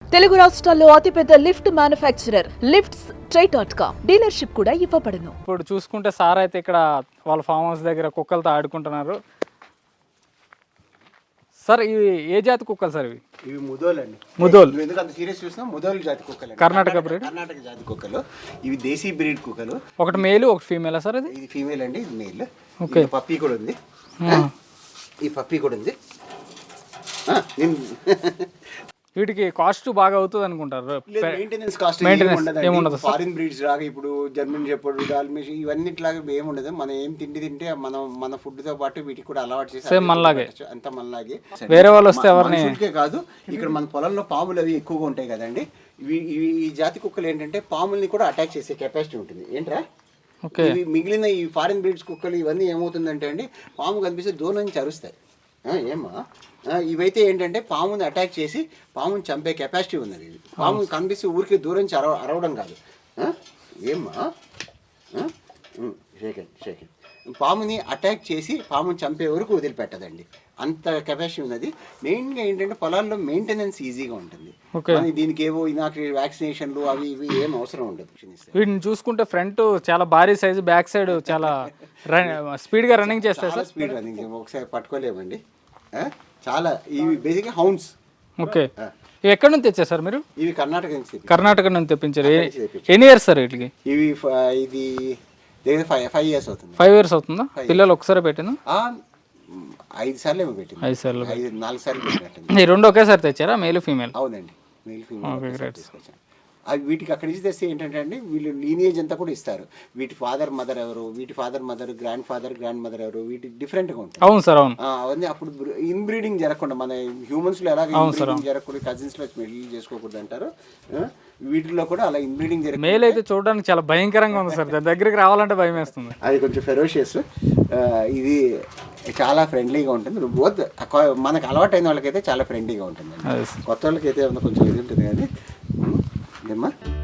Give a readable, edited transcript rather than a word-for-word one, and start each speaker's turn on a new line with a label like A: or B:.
A: తెలుగు రాష్ట్రాల్లో అతిపెద్ద lift manufacturer lifts ట్రై.com డీలర్షిప్ కూడా ఇవ్వబడును.
B: ఇప్పుడు చూసుకుంటే సార్ అయితే ఇక్కడ వాళ్ళ ఫామ్ హౌస్ దగ్గర కుక్కలతో ఆడుకుంటున్నారు. సార్ ఇవి ఏ జాతి కుక్కలు సార్?
C: ఇవి ముదోల్ అండి.
B: ముదోల్
C: ఎందుకు అంత సీరియస్ చూసినా ముదోల్ జాతి కుక్కలు,
B: కర్ణాటక బ్రీడ్,
C: కర్ణాటక జాతి కుక్కలు. ఇవి దేశీ బ్రీడ్ కుక్కలు.
B: ఒకటి మేలు ఒకటి ఫీమేలా సార్? ఇది
C: ఫీమేల్ అండి, ఇది మేల్.
B: ఓకే.
C: పప్పీ కూడా ఉంది, ఈ పప్పీ కూడా ఉంది.
B: వీటికి కాస్ట్ బాగా అవుతుంది అనుకుంటారు.
C: మెయింటెనెన్స్ కాస్ట్ ఏముండదు. ఫారిన్ బ్రీడ్స్ లాగా ఇప్పుడు జర్మన్ షెపర్డ్, డాల్మేషన్ ఇవన్నిటిలాగా ఏముండదు. మనం ఏం తిండి తింటే మన ఫుడ్ తో పాటు వీటికి కూడా అలవాటు చేసి మనలాగే అంత మనలాగే.
B: వేరే వాళ్ళు వస్తే ఎవరిని
C: కాదు, ఇక్కడ మన పొలంలో పాములు అవి ఎక్కువగా ఉంటాయి కదండి. ఈ జాతి కుక్కలు ఏంటంటే పాముల్ని కూడా అటాక్ చేసే కెపాసిటీ ఉంటుంది. ఏంట్రా ఇవి మిగిలిన ఈ ఫారిన్ బ్రీడ్స్ కుక్కలు ఇవన్నీ ఏమవుతుందంటే అండి, పాము కనిపిస్తే దూరం నుంచి అరుస్తాయి. ఏమా ఇవైతే ఏంటంటే పాముని అటాక్ చేసి పాముని చంపే కెపాసిటీ ఉన్నది. ఇది పాము కనిపిస్తే ఊరికి దూరం నుంచి అరవడం కాదు. ఏమ్మా షేకండి పాముని అటాక్ చేసి పాముని చంపే వరకు వదిలిపెట్టదండి. అంత కెపాసిటీ ఉన్నది. మెయిన్గా ఏంటంటే పొలాల్లో మెయింటెనెన్స్ ఈజీగా ఉంటుంది. దీనికి ఏవో వ్యాక్సినేషన్లు అవి ఇవి ఏం అవసరం ఉండదు.
B: వీటిని చూసుకుంటే ఫ్రంట్ చాలా భారీ సైజు, బ్యాక్ సైడ్ చాలా స్పీడ్గా రన్నింగ్ చేస్తాయి సార్.
C: స్పీడ్ రన్నింగ్ ఒకసారి పట్టుకోలేమండి. చాలా ఇవి బేసిక్గా హౌండ్స్.
B: ఓకే. ఇవి ఎక్కడి నుంచి తెచ్చారు సార్ మీరు?
C: ఇవి కర్ణాటక నుంచి.
B: కర్ణాటక నుంచి తెప్పించారు. ఎన్ని ఇయర్స్ సార్ వీటికి?
C: ఇవి ఇది 5 years అవుతుంది.
B: 5 years అవుతుందా? పిల్లలు ఒకసారి పెట్టిన
C: 5 సార్లు ఏమో పెట్టింది.
B: 5 సార్లు
C: 4 సార్లు పెట్టినట్టు.
B: ఈ రెండు ఒకేసారి తెచ్చారా, మేల్ ఫీమేల్?
C: అవునండి, మేల్ ఫీమేల్ తీసుకొచ్చాను. అవి వీటికి అక్కడి నుంచి తెస్తే ఏంటంటే అండి, వీళ్ళు లీనియేజ్ అంతా కూడా ఇస్తారు. వీటి ఫాదర్ మదర్ ఎవరు, వీటి father mother, grandfather grandmother ఎవరు, వీటి డిఫరెంట్గా ఉంటాయి.
B: అవును సార్, అవును.
C: అవన్నీ అప్పుడు ఇన్బ్రీడింగ్ జరగకుండా, మన హ్యూమన్స్ లో ఎలాగ ఇన్బ్రీడింగ్ జరగకుండా, కజిన్స్ లో పెళ్లి చేసుకోకూడదు అంటారు. వీటిలో కూడా అలా ఇన్బ్రీడింగ్ జరగదు.
B: మేల్ అయితే చూడడానికి చాలా భయంకరంగా ఉంది సార్, దగ్గరికి రావాలంటే భయం వేస్తుంది.
C: అది కొంచెం ఫెరోషియస్. ఇది చాలా ఫ్రెండ్లీగా ఉంటుంది. బోత్ మనకు అలవాటు అయిన వాళ్ళకైతే చాలా ఫ్రెండ్లీగా ఉంటుంది. కొత్త వాళ్ళకైతే కొంచెం ఇది ఉంటుంది కానీ ఏమ్మా